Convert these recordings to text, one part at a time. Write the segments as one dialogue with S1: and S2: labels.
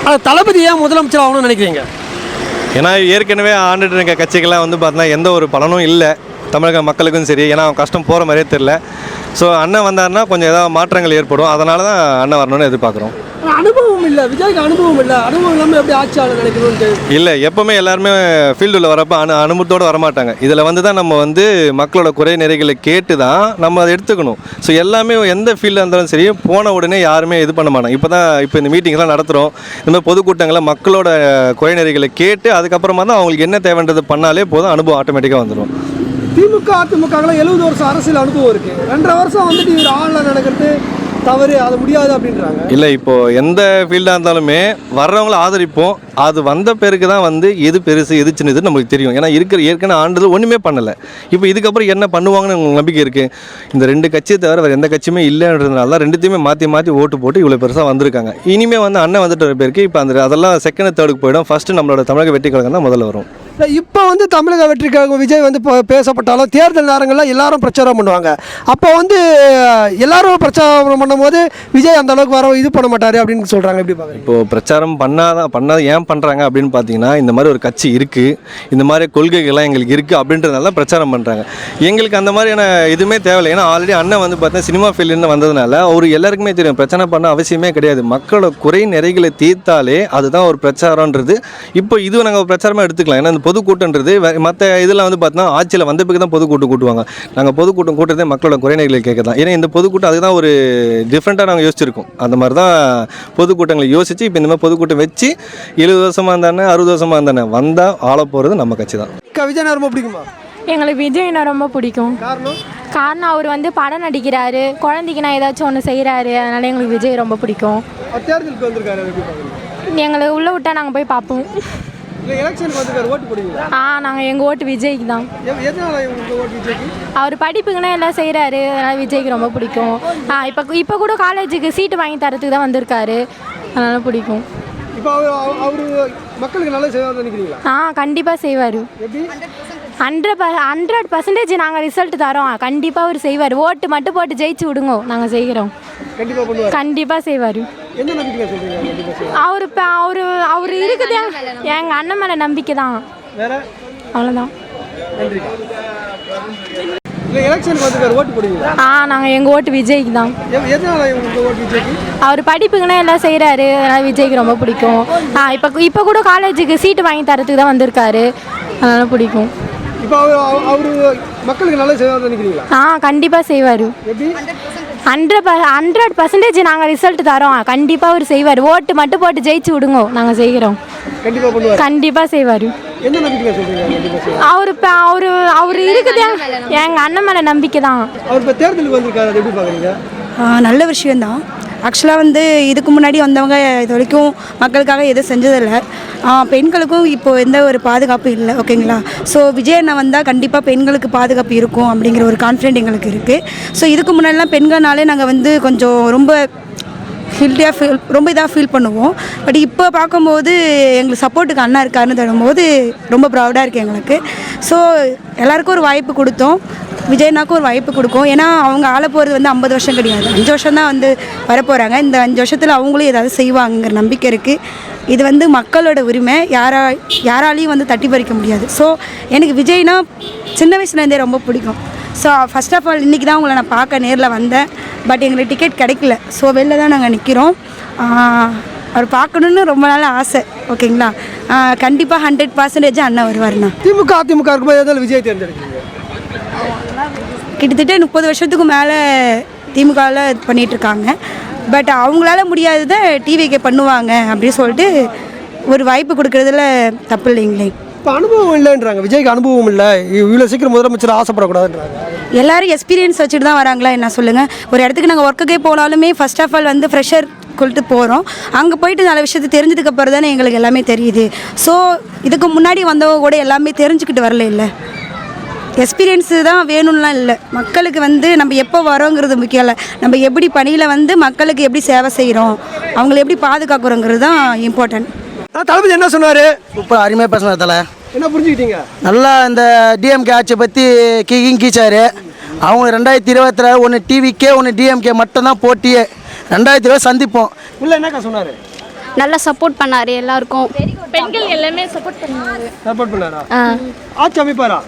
S1: தளபதி ஏன் முதலமைச்சர் ஆகணும்னு நினைக்கிறீங்க?
S2: ஏன்னா ஏற்கனவே ஆண்டுட்டு இருக்க கட்சிகள்லாம் வந்து பார்த்தீங்கன்னா எந்த ஒரு பலனும் இல்லை தமிழக மக்களுக்கும் சரி. ஏன்னா அவன் கஷ்டம் போகிற மாதிரியே தெரில. ஸோ அண்ணன் வந்தாருன்னா கொஞ்சம் ஏதாவது மாற்றங்கள் ஏற்படும். அதனால தான் அண்ணன் வரணும்னு எதிர்பார்க்குறோம்.
S1: அனுபவம் இல்லை, விஜய்க்கு அனுபவம் இல்லை. அனுபவம் இல்லாமல் எப்படி ஆட்சியாளர் நினைக்கணும்னு
S2: இல்லை. எப்போவுமே எல்லாருமே ஃபீல்டில் வரப்போ அனுபவத்தோடு வரமாட்டாங்க. இதில் வந்து தான் நம்ம வந்து மக்களோட குறை நிறைகளை கேட்டு தான் நம்ம அதை எடுத்துக்கணும். ஸோ எல்லாமே எந்த ஃபீல்டாக இருந்தாலும் சரி போன உடனே யாருமே இது பண்ண மாட்டாங்க. இப்போ இந்த மீட்டிங்ஸ்லாம் நடத்துகிறோம், இந்த மாதிரி பொதுக்கூட்டங்களை மக்களோட குறை நிறைகளை கேட்டு அதுக்கப்புறமா தான் அவங்களுக்கு என்ன தேவைன்றது பண்ணாலே போதும், அனுபவம் ஆட்டோமேட்டிக்காக வந்துடும்.
S1: திமுக அதிமுகலாம் 70 வருஷம் அரசியல் அனுபவம் இருக்கு. 2.5 வருஷம் வந்துட்டு இவர் ஆன்லைன் நடக்கிறது தவறு, அது முடியாது அப்படின்றாங்க.
S2: இல்லை, இப்போது எந்த ஃபீல்டாக இருந்தாலுமே வர்றவங்கள ஆதரிப்போம். அது வந்த பேருக்கு தான் வந்து எது பெருசு எது சின்னது நம்மளுக்கு தெரியும். ஏன்னா ஏற்கனவே ஆண்டுகள் ஒன்றுமே பண்ணலை. இப்போ இதுக்கப்புறம் என்ன பண்ணுவாங்கன்னு உங்களுக்கு நம்பிக்கை இருக்குது? இந்த 2 கட்சியை தவிர வேறு எந்த கட்சியுமே இல்லைன்றதுனால தான் 2த்தையுமே மாற்றி ஓட்டு போட்டு இவ்வளோ பெருசாக வந்திருக்காங்க. இனிமேல் வந்து அண்ணன் வந்துட்டு வர பேருக்கு இப்போ அதெல்லாம் செகண்ட் தேர்டுக்கு போயிடும். ஃபஸ்ட்டு நம்மளோட தமிழக வெற்றி கழகம் தான் முதல்ல வரும்.
S1: இப்போ வந்து தமிழக வெற்றி கழகம் விஜய் வந்து பேசப்பட்டாலும் தேர்தல் நேரங்களில் எல்லாரும் பிரச்சாரம் பண்ணுவாங்க. அப்போ வந்து எல்லாரும் பிரச்சாரம் பண்ணும்போது விஜய் அந்த அளவுக்கு வர இது பண்ண மாட்டார் அப்படின்னு சொல்கிறாங்க. எப்படி பார்க்குறீங்க? இப்போது
S2: பிரச்சாரம் பண்ணாத ஏன் பண்ணுறாங்க அப்படின்னு பார்த்தீங்கன்னா, இந்த மாதிரி ஒரு கட்சி இருக்குது, இந்த மாதிரி கொள்கைகள்லாம் எங்களுக்கு இருக்குது அப்படின்றதுனால பிரச்சாரம் பண்ணுறாங்க. எங்களுக்கு அந்த மாதிரியான இதுவுமே தேவையில்லை. ஏன்னா ஆல்ரெடி அண்ணன் வந்து பார்த்தீங்கன்னா சினிமா ஃபீல்டுன்னு வந்ததுனால அவர் எல்லாருக்குமே தெரியும் பிரச்சனை பண்ண அவசியமே கிடையாது. மக்களோட குறை நிறைகளை தீர்த்தாலே அதுதான் ஒரு பிரச்சாரன்றது. இப்போ இது நாங்கள் பிரச்சாரமாக எடுத்துக்கலாம். ஏன்னா இந்த பொதுக்கூட்டன்றது மற்ற இதில் வந்து பார்த்தீங்கன்னா ஆட்சியில் வந்த பிறகு தான் பொதுக்கூட்டம் கூட்டுவாங்க. நாங்கள் பொதுக்கூட்டம் கூட்டுறதே மக்களோட குறைநிலைகளை கேட்க தான். ஏன்னா இந்த பொதுக்கூட்டம் அதுதான் ஒரு டிஃப்ரெண்ட்டாக நாங்கள் யோசிச்சிருக்கோம். அந்த மாதிரி தான் பொதுக்கூட்டங்களை யோசித்து இப்போ இந்த மாதிரி பொதுக்கூட்டம் வச்சு 70 வருஷமாக இருந்தானே 60 வருஷமாக இருந்தானே வந்தால் ஆள போகிறது நம்ம கட்சி தான்.
S1: விஜய் ரொம்ப பிடிக்குமா?
S3: எங்களுக்கு விஜய்னா ரொம்ப பிடிக்கும். காரணம் அவர் வந்து படம் நடிக்கிறாரு, குழந்தைக்கு நான் ஏதாச்சும் ஒன்று செய்கிறாரு, அதனால எங்களுக்கு விஜய் ரொம்ப பிடிக்கும்.
S1: தேர்தலுக்கு வந்திருக்காரு,
S3: எங்களை உள்ளே விட்டால் நாங்கள் போய் பார்ப்போம். நாங்கள் எங்கள் ஓட்டு விஜய்க்கு தான். அவர் படிப்புக்குன்னா எல்லாம் செய்கிறாரு, அதனால் விஜய்க்கு ரொம்ப பிடிக்கும். இப்போ கூட காலேஜுக்கு சீட்டு வாங்கி தரத்துக்கு தான் வந்திருக்காரு, அதனால் பிடிக்கும்.
S1: மக்களுக்கு நல்லா செய்வார் நினைக்கிறீங்களா?
S3: கண்டிப்பாக செய்வார். 100% நாங்கள் ரிசல்ட் தரோம். கண்டிப்பாக அவர் செய்வார். ஓட்டு மட்டும் போட்டு ஜெயிச்சு விடுங்க, நாங்கள் செய்கிறோம். கண்டிப்பாக செய்வார். அவர் இருக்குது எங்கள் அண்ணன் மேலே நம்பிக்கை தான். அவ்வளோதான். நாங்கள் எங்கள் ஓட்டு விஜய்க்கு தான். அவர் படிப்புக்குன்னா எல்லாம் செய்கிறாரு, அதனால் விஜய்க்கு ரொம்ப பிடிக்கும். இப்போ கூட காலேஜுக்கு சீட்டு வாங்கி தரத்துக்கு தான் வந்திருக்காரு, அதனால் பிடிக்கும்.
S1: மக்களுக்கு நல்லா செய்வார் நினைக்கிறீங்களா?
S3: கண்டிப்பாக செய்வார். 100% நாங்கள் ரிசல்ட் தரோம். கண்டிப்பாக அவர் செய்வார். ஓட்டு மட்டும் போட்டு ஜெயிச்சு விடுங்க, நாங்கள் செய்கிறோம். கண்டிப்பாக செய்வார். அவர் இருக்குது எங்கள் அண்ணன் மேலே நம்பிக்கை தான்.
S4: நல்ல விஷயந்தான். ஆக்சுவலாக வந்து இதுக்கு முன்னாடி வந்தவங்க இது வரைக்கும் மக்களுக்காக எதுவும் செஞ்சதில்லை. பெண்களுக்கும் இப்போது எந்த ஒரு பாதுகாப்பு இல்லை. ஓகேங்களா? ஸோ விஜய் அண்ணா வந்தால் கண்டிப்பாக பெண்களுக்கு பாதுகாப்பு இருக்கும் அப்படிங்கிற ஒரு கான்ஃபிடென்ட் எங்களுக்கு இருக்குது. ஸோ இதுக்கு முன்னாடிலாம் பெண்கள்னாலே நாங்கள் வந்து கொஞ்சம் ரொம்ப ரொம்ப இதாக ஃபீல் பண்ணுவோம். பட் இப்போ பார்க்கும்போது எங்களுக்கு சப்போர்ட்டுக்கு அண்ணா இருக்காருன்னு தரும்போது ரொம்ப ப்ரௌடாக இருக்குது எங்களுக்கு. ஸோ எல்லாேருக்கும் ஒரு வாய்ப்பு கொடுத்தோம், விஜய்னாக்கும் ஒரு வாய்ப்பு கொடுக்கும். ஏன்னா அவங்க ஆள போகிறது வந்து 50 வருஷம் கிடையாது, 5 வருஷம் தான் வந்து வரப்போகிறாங்க. இந்த 5 வருஷத்தில் அவங்களும் ஏதாவது செய்வாங்கிற நம்பிக்கை இருக்குது. இது வந்து மக்களோட உரிமை, யாராலையும் வந்து தட்டி பறிக்க முடியாது. ஸோ எனக்கு விஜய்னா சின்ன வயசுலேருந்தே ரொம்ப பிடிக்கும். ஸோ ஃபஸ்ட் ஆஃப் ஆல் இன்றைக்கி தான் உங்களை நான் பார்க்க நேரில் வந்தேன். பட் எங்களுக்கு டிக்கெட் கிடைக்கல. ஸோ வெளில தான் நாங்கள் நிற்கிறோம். அவர் பார்க்கணுன்னு ரொம்ப நாள் ஆசை. ஓகேங்களா? கண்டிப்பாக 100% அண்ணன் வருவார்ண்ணா.
S1: திமுக அதிமுக இருக்கும்போது விஜய் தேர்ந்தெடுக்கிறீங்க?
S4: கிட்டத்தட்ட 30 வருஷத்துக்கு மேலே திமுகவில் இது பண்ணிகிட்ருக்காங்க. பட் அவங்களால முடியாததை டிவிக்கு பண்ணுவாங்க அப்படின்னு சொல்லிட்டு ஒரு வாய்ப்பு கொடுக்குறதுல தப்பு இல்லைங்களே.
S1: இப்போ அனுபவம் இல்லைன்றாங்க, விஜய்க்கு அனுபவம் இல்லை, இவ்வளோ சீக்கிரம் முதலமைச்சர் ஆசைப்படக்கூடாதுன்றாங்க.
S4: எல்லோரும் எக்ஸ்பீரியன்ஸ் வச்சுட்டு தான் வராங்களா என்ன சொல்லுங்கள்? ஒரு இடத்துக்கு நாங்கள் ஒர்க்குக்கே போனாலுமே ஃபர்ஸ்ட் ஆஃப் ஆல் வந்து ஃப்ரெஷர் கொண்டு போகிறோம். அங்கே போயிட்டு நல்ல விஷயத்தை தெரிஞ்சதுக்கு அப்புறம் தானே எங்களுக்கு எல்லாமே தெரியுது. ஸோ இதுக்கு முன்னாடி வந்தவங்க கூட எல்லாமே தெரிஞ்சுக்கிட்டு வரல. இல்லை, எக்ஸ்பீரியன்ஸு தான் வேணும்லாம் இல்லை. மக்களுக்கு வந்து நம்ம எப்போ வரோங்கிறது முக்கியம் இல்லை, நம்ம எப்படி பணியில் வந்து மக்களுக்கு எப்படி சேவை செய்கிறோம், அவங்களை எப்படி பாதுகாக்கிறோங்கிறது தான் இம்பார்ட்டன்ட்.
S1: தளபதி என்ன சொன்னார்?
S5: சூப்பர், அருமையாக பேசினார். தலை
S1: என்ன புரிஞ்சுக்கிட்டீங்க?
S5: நல்லா இந்த டிஎம்கே ஆட்சியை பற்றி கீச்சார். அவங்க 2020 ஒன்று டிவிக்கே ஒன்று டிஎம்கே மட்டும்தான் போட்டியே. 2020 சந்திப்போம்.
S1: இல்லை என்னக்கா சொன்னார்?
S6: நல்லா சப்போர்ட் பண்ணார் எல்லாருக்கும்.
S3: பெண்கள் எல்லாமே சப்போர்ட் பண்ணுவாங்க.
S1: சப்போர்ட் பண்ணாரா? ஆட்சி அமைப்பாரா?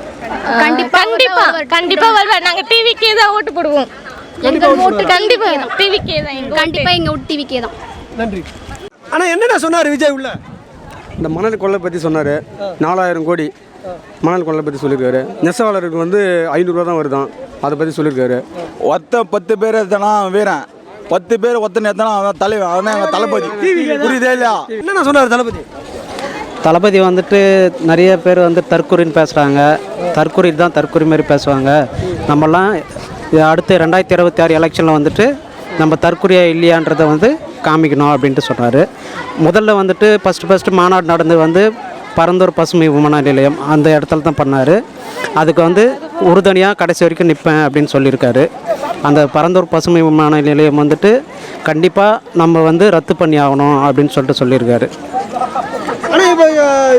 S3: கண்டிப்பா வருவார். நாங்க டிவிக்கே தான் ஓட்டு போடுவோம்.
S6: எங்கள் ஓட்டு
S3: கண்டிப்பா டிவிக்கே தான்.
S6: கண்டிப்பாக எங்கள் ஓட்டு டிவிக்கே தான்.
S1: நன்றி. ஆனா என்னென்ன சொன்னார் விஜய் உள்ள?
S7: இந்த மணல் கொள்ளை பற்றி சொன்னார். 4000 கோடி மணல் கொள்ளை பற்றி சொல்லியிருக்காரு. நெசவாளருக்கு வந்து 500 ரூபா தான் வருதான், அதை பற்றி சொல்லியிருக்காரு.
S8: 10 பேர் எத்தனா வீரன், 10 பேர் ஒத்தனை எத்தனா அவன் தலைவன், அவன் எங்கள் தளபதி. புரியுதே இல்லையா?
S1: என்னென்ன சொன்னார் தளபதி?
S9: தளபதி வந்துட்டு நிறைய பேர் வந்து தற்கொலைன்னு பேசுகிறாங்க. தற்கொலை தான் தற்கொலை மாதிரி பேசுவாங்க. நம்மலாம் அடுத்து 2026 எலெக்ஷனில் வந்துட்டு நம்ம தற்கொலையா இல்லையான்றதை வந்து காமிக்கணும் அப்படின்ட்டு சொன்னார். முதல்ல வந்துட்டு ஃபஸ்ட்டு மாநாடு நடந்து வந்து பரந்தூர் பசுமை விமான நிலையம் அந்த இடத்துல தான் பண்ணார். அதுக்கு வந்து உறுதுணையாக கடைசி வரைக்கும் நிற்பேன் அப்படின்னு சொல்லியிருக்காரு. அந்த பரந்தூர் பசுமை விமான நிலையம் வந்துட்டு கண்டிப்பாக நம்ம வந்து ரத்து பண்ணி ஆகணும் அப்படின்னு சொல்லிட்டு சொல்லியிருக்காரு.
S1: ஆனால் இப்போ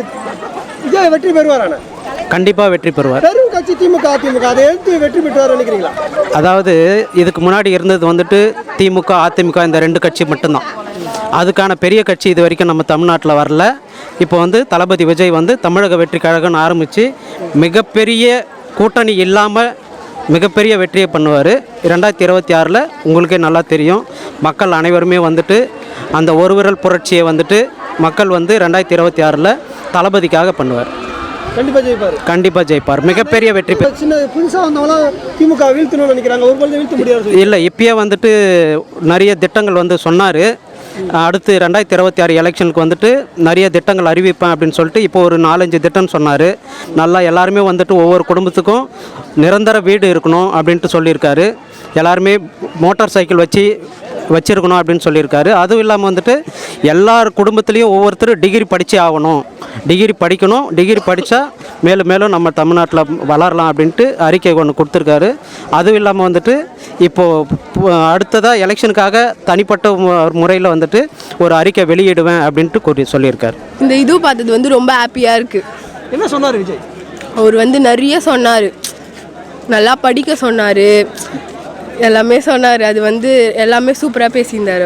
S1: விஜய் வெற்றி பெறுவாரான?
S9: கண்டிப்பாக வெற்றி பெறுவார்.
S1: பெரும் கட்சி திமுக அதிமுக, அதை எடுத்து வெற்றி பெற்றுவார் நினைக்கிறீங்களா?
S9: அதாவது இதுக்கு முன்னாடி இருந்தது வந்துட்டு திமுக அதிமுக இந்த 2 கட்சி மட்டும்தான். அதுக்கான பெரிய கட்சி இது வரைக்கும் நம்ம தமிழ்நாட்டில் வரல. இப்போ வந்து தளபதி விஜய் வந்து தமிழக வெற்றி கழகம்னு ஆரம்பித்து மிகப்பெரிய கூட்டணி இல்லாமல் மிகப்பெரிய வெற்றியை பண்ணுவார். 2026 உங்களுக்கே நல்லா தெரியும். மக்கள் அனைவருமே வந்துட்டு அந்த ஒரு விரல் புரட்சியை வந்துட்டு மக்கள் வந்து 2026 தளபதிக்காக பண்ணுவார்.
S1: கண்டிப்பாக ஜெயிப்பார்.
S9: கண்டிப்பாக ஜெயிப்பார். மிகப்பெரிய வெற்றி பெற
S1: சின்ன புதுசாக வந்தவங்களாம் திமுக வீழ்த்தணும்னு நினைக்கிறாங்க. ஒரு பொழுது வீழ்த்த முடியாது.
S9: இல்லை, இப்பயே வந்துட்டு நிறைய திட்டங்கள் வந்து சொன்னார். அடுத்து 2026 எலெக்ஷனுக்கு வந்துட்டு நிறைய திட்டங்கள் அறிவிப்பேன் அப்படின்னு சொல்லிட்டு இப்போ ஒரு 4-5 திட்டம் சொன்னார். நல்லா எல்லாருமே வந்துட்டு ஒவ்வொரு குடும்பத்துக்கும் நிரந்தர வீடு இருக்கணும் அப்படின்ட்டு சொல்லியிருக்காரு. எல்லாருமே மோட்டார் சைக்கிள் வச்சிருக்கணும் அப்படின்னு சொல்லியிருக்காரு. அதுவும் இல்லாமல் வந்துட்டு எல்லார் குடும்பத்துலேயும் ஒவ்வொருத்தரும் டிகிரி படித்தே ஆகணும், டிகிரி படிக்கணும், டிகிரி படித்தா மேலும் மேலும் நம்ம தமிழ்நாட்டில் வளரலாம் அப்படின்ட்டு அறிக்கை ஒன்று கொடுத்துருக்காரு. அதுவும் இல்லாமல் வந்துட்டு இப்போது அடுத்ததாக எலெக்ஷனுக்காக தனிப்பட்ட முறையில் வந்துட்டு ஒரு அறிக்கை வெளியிடுவேன் அப்படின்ட்டு சொல்லியிருக்காரு.
S10: இந்த இது பார்த்தது வந்து ரொம்ப ஹாப்பியாக இருக்குது.
S1: என்ன சொன்னார் விஜய்?
S10: அவர் வந்து நிறைய சொன்னார். நல்லா படிக்க சொன்னார், எல்லாமே சொன்னார். அது வந்து எல்லாமே சூப்பராக பேசியிருந்தார்.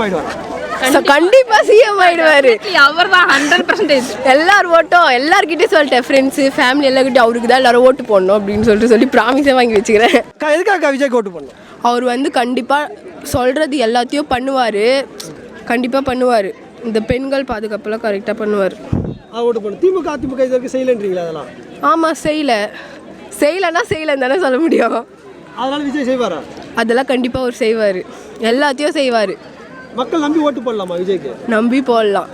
S10: கண்டிப்பாக சிஎம் ஆயிடுவார்.
S3: அவர் தான் 100%.
S10: எல்லார் ஓட்டும் எல்லார்கிட்டையும் சொல்லிட்டேன், ஃப்ரெண்ட்ஸு ஃபேமிலி எல்லாருக்கிட்டையும் அவருக்கு தான் எல்லாரும் ஓட்டு போடணும் அப்படின்னு சொல்லி ப்ராமிஸே வாங்கி வச்சுக்கிறேன்.
S1: எதுக்காக விஜய் ஓட்டு பண்ணணும்?
S10: அவர் வந்து கண்டிப்பாக சொல்கிறது எல்லாத்தையும் பண்ணுவார். கண்டிப்பாக பண்ணுவார். இந்த பெண்கள் பாதுகாப்பெல்லாம் கரெக்டாக பண்ணுவார்.
S1: ஓட்டு பண்ணணும். திமுக அதிமுக இது வரைக்கும் செய்யலைன்றீங்களா? அதெல்லாம்
S10: ஆமாம், செய்யலைன்னா செய்யலைன்னு தானே சொல்ல முடியும்.
S1: அதனால விஜய் செய்வாரா?
S10: அதெல்லாம் கண்டிப்பாக அவர் செய்வார். எல்லாத்தையும் செய்வார்.
S1: மக்கள் நம்பி ஓட்டு போடலாமா விஜய்க்கு?
S10: நம்பி போடலாம்.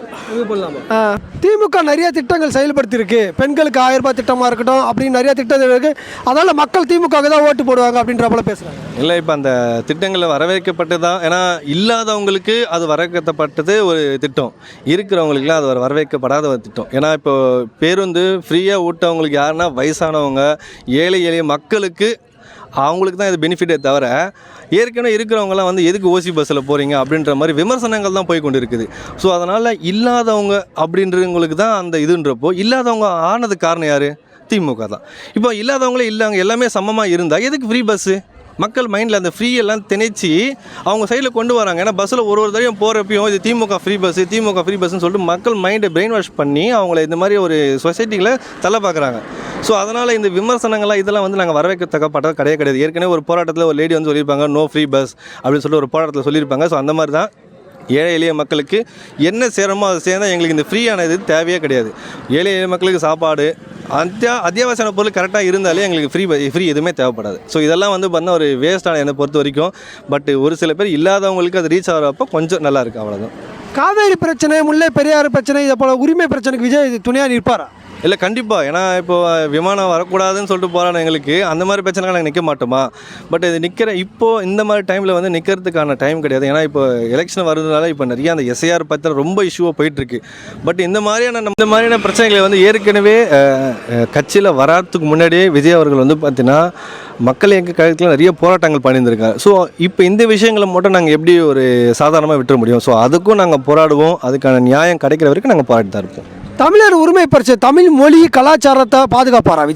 S1: திமுக நிறைய திட்டங்கள் செயல்படுத்தியிருக்கு. பெண்களுக்கு 1000 ரூபாய் திட்டமாக இருக்கட்டும், அப்படின்னு நிறைய திட்டங்கள் இருக்குது. அதனால் மக்கள் திமுகவுக்கு தான் ஓட்டு போடுவாங்க அப்படின்ற போல பேசுகிறாங்க.
S2: இல்லை, இப்போ அந்த திட்டங்களில் வரவேற்கப்பட்டு தான், ஏன்னா இல்லாதவங்களுக்கு அது வரவேற்கப்பட்டது ஒரு திட்டம், இருக்கிறவங்களுக்குலாம் அது வரவேற்கப்படாத ஒரு திட்டம். ஏன்னா இப்போ பேருந்து ஃப்ரீயாக ஊட்டவங்களுக்கு யாருன்னா வயசானவங்க, ஏழை எளிய மக்களுக்கு, அவங்களுக்கு தான் இது பெனிஃபிட்டே தவிர ஏற்கனவே இருக்கிறவங்களாம் வந்து எதுக்கு ஓசி பஸ்ஸில் போகிறீங்க அப்படின்ற மாதிரி விமர்சனங்கள் தான் போய் கொண்டு இருக்குது. ஸோ அதனால் இல்லாதவங்க அப்படின்றவங்களுக்கு தான் அந்த இதுன்றப்போ, இல்லாதவங்க ஆனதுக்கு காரணம் யார்? திமுக தான். இப்போ இல்லாதவங்களே இல்லாங்க எல்லாமே சமமாக இருந்தால் எதுக்கு ஃப்ரீ பஸ்ஸு? மக்கள் மைண்டில் அந்த ஃப்ரீ எல்லாம் திணிச்சு அவங்க சைடில் கொண்டு வராங்க. ஏன்னா பஸ்ஸில் ஒரு தடவையும் போகிறப்பையும் இது திமுக ஃப்ரீ பஸ்ஸுன்னு சொல்லிட்டு மக்கள் மைண்டை பிரெயின் வாஷ் பண்ணி அவங்கள இந்த மாதிரி ஒரு சொசைட்டியில் தலை பார்க்குறாங்க. ஸோ அதனால் இந்த விமர்சனங்கள்லாம் இதெல்லாம் வந்து நாங்கள் வரவேற்கத்தக்கப்பட்டது கிடையாது. ஏற்கனவே ஒரு போராட்டத்தில் ஒரு லேடி வந்து சொல்லியிருப்பாங்க, நோ ஃப்ரீ பஸ் அப்படின்னு சொல்லிட்டு ஒரு போராட்டத்தில் சொல்லியிருப்பாங்க. ஸோ அந்த மாதிரி தான் ஏழை எளிய மக்களுக்கு என்ன சேரமோ அதை சேர்ந்தால் எங்களுக்கு இந்த ஃப்ரீயான இது தேவையே கிடையாது. ஏழை எளிய மக்களுக்கு சாப்பாடு, அத்தியாவசிய பொருள் கரெக்டாக இருந்தாலே எங்களுக்கு ஃப்ரீ எதுவுமே தேவைப்படாது. ஸோ இதெல்லாம் வந்து பார்த்தா ஒரு வேஸ்ட்டான என்னை பொறுத்த வரைக்கும். பட் ஒரு சில பேர் இல்லாதவங்களுக்கு அது ரீச் ஆகிறப்போ கொஞ்சம் நல்லா இருக்குது, அவ்வளோதான்.
S1: காவேரி பிரச்சனை, முல்லை பெரியாறு பிரச்சனை, இதை போல உரிமை பிரச்சனைக்கு விஜய் துணையாக நிற்பாரா?
S2: இல்லை, கண்டிப்பாக. ஏன்னா இப்போ விமானம் வரக்கூடாதுன்னு சொல்லிட்டு போகிறாங்க எங்களுக்கு, அந்த மாதிரி பிரச்சனைகள் நாங்கள் நிற்க மாட்டோமா? பட் இது இப்போது இந்த மாதிரி டைமில் வந்து நிற்கிறதுக்கான டைம் கிடையாது. ஏன்னா இப்போ எலெக்ஷன் வருதுனால இப்போ நிறைய அந்த எஸ்ஐஆர் பற்றி ரொம்ப இஷ்யூவாக போயிட்டுருக்கு. பட் இந்த மாதிரியான பிரச்சனைகளை வந்து ஏற்கனவே கட்சியில் வராதுக்கு முன்னாடியே விஜய் அவர்கள் வந்து பார்த்தீங்கன்னா மக்கள் எங்கள் கழகத்தில் நிறைய போராட்டங்கள் பண்ணியிருந்திருக்காங்க. ஸோ இப்போ இந்த விஷயங்களை மட்டும் நாங்கள் எப்படி ஒரு சாதாரணமாக விட்டுற முடியும்? ஸோ அதுக்கும் நாங்கள் போராடுவோம். அதுக்கான நியாயம் கிடைக்கிற வரைக்கும் நாங்கள் போராடி தான் இருப்போம்.
S1: தமிழர் உரிமை பிரச்சனை, தமிழ் மொழி கலாச்சாரத்தை பாதுகாப்பாரா விஜய்?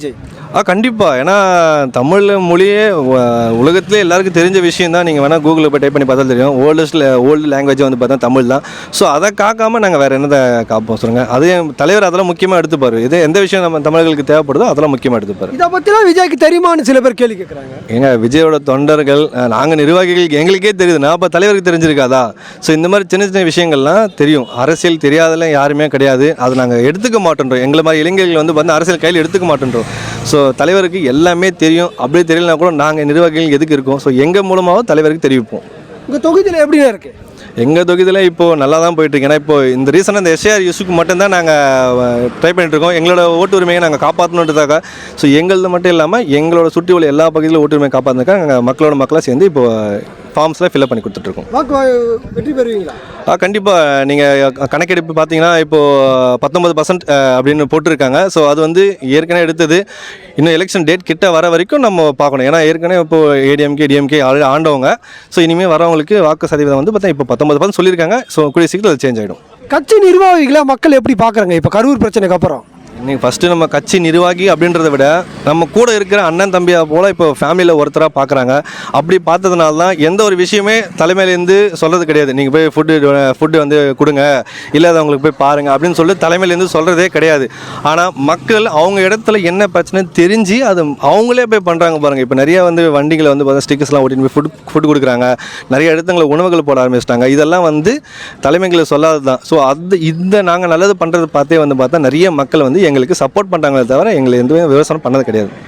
S2: கண்டிப்பாக. ஏன்னா தமிழ் மொழியே உலகத்திலே எல்லாருக்கும் தெரிஞ்ச விஷயம் தான். நீங்கள் வேணால் கூகுளில் போய் டைப் பண்ணி பார்த்தா தெரியும். ஓல்டு லாங்குவேஜ் வந்து பார்த்தா தமிழ் தான். ஸோ அதை காக்காமல் நாங்கள் வேறு என்னதை காப்போம் சொல்லுங்கள். அதே தலைவர் அதெல்லாம் முக்கியமாக எடுத்துப்பார். இது எந்த விஷயம் நம்ம தமிழர்களுக்கு தேவைப்படுதோ அதெல்லாம் முக்கியமாக எடுத்துப்பார்.
S1: இதை பற்றிலாம் விஜய்க்கு தெரியுமான்னு சில பேர் கேள்வி கேட்குறாங்க.
S2: ஏங்க விஜயோட தொண்டர்கள் நாங்கள் நிர்வாகிகளுக்கு எங்களுக்கே தெரியுதுன்னா அப்போ தலைவருக்கு தெரிஞ்சிருக்காதா? ஸோ இந்த மாதிரி சின்ன சின்ன விஷயங்கள்லாம் தெரியும். அரசியல் தெரியாதெல்லாம் யாருமே கிடையாது. அதை நாங்கள் எடுத்துக்க மாட்டேன்றோம். எங்களை மாதிரி இளைஞர்கள் வந்து வந்து அரசியல் கையில் எடுத்துக்க மாட்டேன்றோம். ஸோ தலைவருக்கு எல்லாமே தெரியும். அப்படியே தெரியலனா கூட நாங்கள் நிர்வாகிகள் எதுக்கு இருக்கோம்? ஸோ எங்கள் மூலமாகவும் தலைவருக்கு தெரிவிப்போம்.
S1: உங்கள் தொகுதியில் எப்படியா இருக்குது?
S2: எங்கள் தொகுதியில் இப்போது நல்லா தான் போயிட்டுருக்கு. ஏன்னா இப்போது இந்த ரீசனாக இந்த எஸ்ஏஆர் இஷ்யூக்கு மட்டும்தான் நாங்கள் ட்ரை பண்ணிட்டுருக்கோம். எங்களோட ஓட்டு உரிமையை நாங்கள் காப்பாற்றணுன்றதாக. ஸோ எங்களது மட்டும் இல்லாமல் எங்களோட சுற்றி உள்ள எல்லா பகுதியிலும் ஓட்டு உரிமையை காப்பாற்றினாக்கா நாங்கள் மக்களாக சேர்ந்து இப்போது ஃபார்ம்ஸ்லாம் ஃபில்அப் பண்ணி கொடுத்துட்ருக்கோம்.
S1: வெற்றி பெறுவீங்களா?
S2: கண்டிப்பாக. நீங்கள் கணக்கெடுப்பு பார்த்தீங்கன்னா இப்போது 19% அப்படின்னு போட்டிருக்காங்க. ஸோ அது வந்து ஏற்கனவே எடுத்தது. இன்னும் எலெக்ஷன் டேட் கிட்ட வர வரைக்கும் நம்ம பார்க்கணும். ஏன்னா ஏற்கனவே இப்போது ஏடிஎம்கே டிஎம்கே ஆண்டவங்க. ஸோ இனிமேல் வரவங்களுக்கு வாக்கு சதவீதம் வந்து பார்த்தா இப்போ 19% சொல்லியிருக்காங்க. ஸோ கூடிய சீக்கிரம் அது சேஞ்ச் ஆகிடும்.
S1: கட்சி நிர்வாகிகளை மக்கள் எப்படி பார்க்குறாங்க இப்போ கரூர் பிரச்சனைக்கு அப்புறம்?
S2: இன்றைக்கி ஃபஸ்ட்டு நம்ம கட்சி நிர்வாகி அப்படின்றத விட நம்ம கூட இருக்கிற அண்ணன் தம்பியாக போல் இப்போ ஃபேமிலியில் ஒருத்தராக பார்க்குறாங்க. அப்படி பார்த்ததுனால தான் எந்த ஒரு விஷயமே தலைமையிலேருந்து சொல்கிறது கிடையாது. நீங்கள் போய் ஃபுட்டு வந்து கொடுங்க, இல்லாதவங்களுக்கு போய் பாருங்கள் அப்படின்னு சொல்லிட்டு தலைமையிலேருந்து சொல்கிறதே கிடையாது. ஆனால் மக்கள் அவங்க இடத்துல என்ன பிரச்சனை தெரிஞ்சு அது அவங்களே போய் பண்ணுறாங்க பாருங்கள். இப்போ நிறையா வந்து வண்டிகளை வந்து பார்த்தா ஸ்டிக்கர்ஸ்லாம் ஓட்டின்னு போய் ஃபுட் கொடுக்குறாங்க. நிறைய இடத்துல உணவுகள் போட ஆரம்பிச்சிட்டாங்க. இதெல்லாம் வந்து தலைமைகளை சொல்லாது தான். ஸோ இந்த நாங்கள் நல்லது பண்ணுறது பார்த்தே வந்து பார்த்தா நிறைய மக்கள் வந்து எங்களுக்கு சப்போர்ட் பண்ணுறாங்களே தவிர எங்களை எந்த விவசாயம் பண்ணது கிடையாது.